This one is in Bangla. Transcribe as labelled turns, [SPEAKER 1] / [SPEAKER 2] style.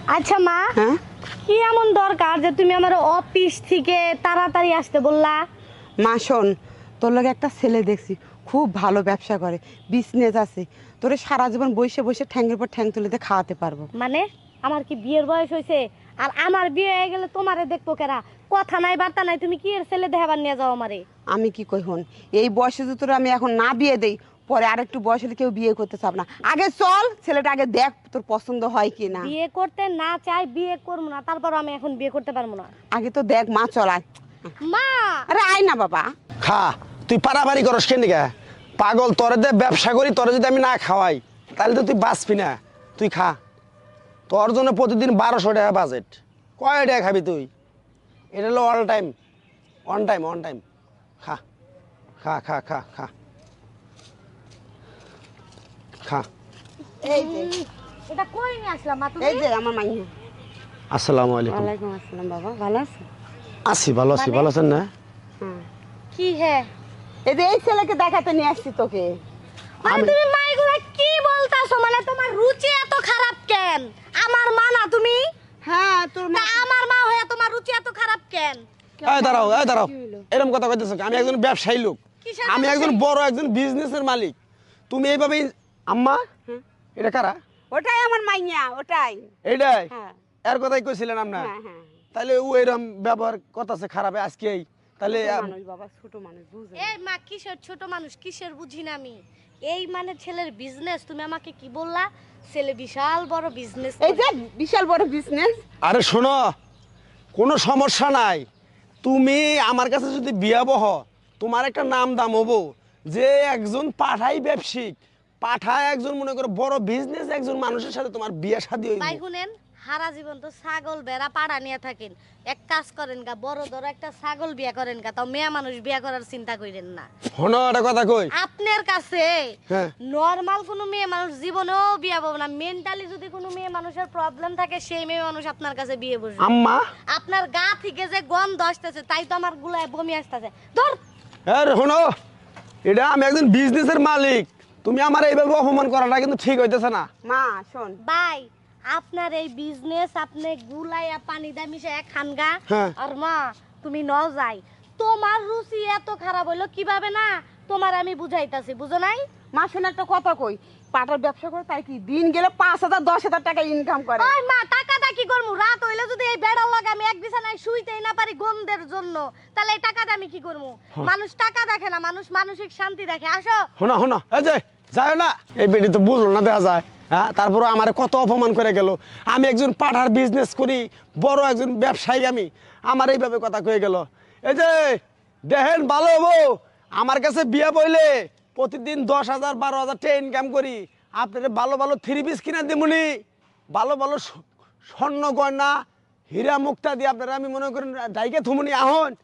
[SPEAKER 1] আচ্ছা মা,
[SPEAKER 2] হ্যাঁ
[SPEAKER 1] কি এমন দরকার যে তুমি আমার অফিস থেকে তাড়াতাড়ি আসতে বললা?
[SPEAKER 2] মা শোন, তোর লগে একটা ছেলে দেখছি, খুব ভালো ব্যবসা করে, বিজনেস আছে। তোরে সারা জীবন বসে বসে ঠ্যাংয়ের পর ঠ্যাং তুলে দিয়ে খাওয়াতে পারবো।
[SPEAKER 1] মানে আমার কি বিয়ের বয়স হয়েছে? আর আমার বিয়ে হয়ে গেলে তোমারে দেখবো কেরা? কথা নাই বার্তা নাই, তুমি কি এর ছেলে দেখাবার নিয়ে যাও আমারে?
[SPEAKER 2] আমি কি কই হন, এই বয়সে যদি তোর আমি এখন না বিয়ে দেই, পরে আরেকটু বয়স হলে কেউ বিয়ে করতে চাব না। আগে চল, ছেলেটা আগে দেখ তোর পছন্দ হয় কি না।
[SPEAKER 1] বিয়ে করতে না চাই, বিয়ে করবো না, তারপর আমি এখন বিয়ে করতে পারবো না।
[SPEAKER 2] আগে তো দেখ মা, চল আয়।
[SPEAKER 1] মা
[SPEAKER 2] আরে আয় না বাবা।
[SPEAKER 3] খা, তুই পারাপারি করস কেন গা? পাগল, তোরে দে ব্যবসা করি, তোরে যদি আমি না খাওয়াই তাহলে তো তুই বাঁচবি না। তুই খা, তোর জন্য প্রতিদিন 1200 টাকা বাজেট। কয় টাকা খাবি তুই? এটা হলো all time, on time, on time. খা খা খা খা খা খা।
[SPEAKER 2] এই যে
[SPEAKER 1] এটা কই নিয়ে আসলাম মা তুমি?
[SPEAKER 2] এই যে আমার মাইয়া।
[SPEAKER 3] আসসালামু আলাইকুম।
[SPEAKER 2] ওয়ালাইকুম আসসালাম বাবা, ভালো আছো?
[SPEAKER 3] আছি, ভালো আছি। ভালো আছেন না?
[SPEAKER 2] হ্যাঁ,
[SPEAKER 1] কি হে?
[SPEAKER 2] এই যে এই ছেলেকে দেখাতে নিয়ে আসছি তোকে।
[SPEAKER 1] মানে তুমি মা এগুলা কি বলতাছো? মানে তোমার রুচি এত খারাপ কেন? আমার মা না তুমি?
[SPEAKER 2] হ্যাঁ তোর
[SPEAKER 1] তা
[SPEAKER 2] মা।
[SPEAKER 1] আমার মা হয়ে তোমার রুচি এত খারাপ কেন?
[SPEAKER 3] এই দাঁড়াও, এই দাঁড়াও।
[SPEAKER 2] কি হলো?
[SPEAKER 3] এরকম কথা কইতেছ? আমি একজন ব্যবসায়ী লোক,
[SPEAKER 1] কিসের
[SPEAKER 3] আমি একজন
[SPEAKER 1] ব্যবসায়ী?
[SPEAKER 3] বড় একজন বিজনেসের মালিক। তুমি এইভাবে আম্মা, এটা কারা?
[SPEAKER 2] ওটাই আমার মাইয়া, ওটাই।
[SPEAKER 3] এইটাই
[SPEAKER 2] হ্যাঁ
[SPEAKER 3] এর কথাই কইছিলেন আপনার?
[SPEAKER 2] হ্যাঁ হ্যাঁ।
[SPEAKER 3] তাহলে ও এরকম ব্যবহার করতেছে খারাপ আজকেই? তাহলে
[SPEAKER 2] ছোট মানুষ বাবা, ছোট মানুষ, বুঝে।
[SPEAKER 1] এই মা কিসের ছোট মানুষ, কিসের বুঝি না আমি? এই মানে ছেলের বিজনেস, তুমি আমাকে কি বললা? ছেলে বিশাল বড় বিজনেস।
[SPEAKER 2] এই যে বিশাল বড় বিজনেস।
[SPEAKER 3] আরে শোনো, কোনো সমস্যা নাই। তুমি আমার কাছে যদি বিয়া বহ, তোমার একটা নাম দাম হবো যে একজন পাঠাই ব্যবসায়িক, পাঠায় একজন মনে করো বড় বিজনেস একজন মানুষের সাথে তোমার বিয়ে শাদী হইব।
[SPEAKER 1] ভাই শুনেন, সারা জীবন তো ছাগল বেড়া পাড়া নিয়ে থাকেন। এক কাজ করেন গা, বড় ধরো একটা ছাগল বিয়া করেন গা, তাও মেয়ে মানুষ বিয়া করার চিন্তা করেন না।
[SPEAKER 3] শোনো একটা কথা কই।
[SPEAKER 1] আপনার কাছে
[SPEAKER 3] হ্যাঁ।
[SPEAKER 1] নরমাল কোনো মেয়ে মানুষ জীবনেও বিয়ে পাবো না। মেন্টালি যদি কোনো মেয়ে মানুষের প্রবলেম থাকে, সেই মেয়ে মানুষ আপনার কাছে বিয়ে বসবে।
[SPEAKER 3] আম্মা,
[SPEAKER 1] আপনার গা থেকে যে গন্ধ আসতেছে, তাই তো আমার গুলায় বমি আসতেছে। ধর
[SPEAKER 3] আরে শোনো, এটা আমি একজন বিজনেসের মালিক, তুমি আমার এইভাবে অপমান করাটা কিন্তু ঠিক হইতেছে না।
[SPEAKER 2] মা শোন,
[SPEAKER 1] ভাই, আপনার এই বিজনেস আপনি গুলাইয়া পানি দা মিশাইয়া খান গা।
[SPEAKER 3] হ্যাঁ।
[SPEAKER 1] আর মা তুমি ন যাই, তোমার রুচি এত খারাপ হইলো কিভাবে না? তোমার আমি বুঝাইতাছি, বুঝো নাই?
[SPEAKER 2] মা শোন একটা কথা কই, পাটার ব্যবসা করে তাই কি দিন গেলে 5,000 10,000 টাকা ইনকাম করে।
[SPEAKER 1] ওই মা, টাকাটা কি করবো? রাত হইলে যদি এই বেড়ার লাগে আমি এক বিছানায় শুইতেই না পারি গন্ধের জন্য, তাহলে এই টাকাটা আমি কি করবো? মানুষ টাকা দেখে না, মানুষ মানসিক শান্তি দেখে। আসো।
[SPEAKER 3] শোনা শোনা, এই যে যায় না, এই বেটি তো বুঝলো না, দেখা যায়। হ্যাঁ, তারপরে আমার কত অপমান করে গেল। আমি একজন পাঠার বিজনেস করি, বড় একজন ব্যবসায়ী, আমি আমার এইভাবে কথা কয়ে গেল। এই যে দেখেন, ভালো হবো আমার কাছে বিয়ে বইলে প্রতিদিন 10,000 12,000 টাকা ইনকাম করি। আপনাদের ভালো ভালো 3 পিস কিনা দিমুনি, ভালো ভালো স্বর্ণ গয়না হীরা মুক্তা দিয়ে আপনারা আমি মনে করেন ডাইকে থুমুনি আহন।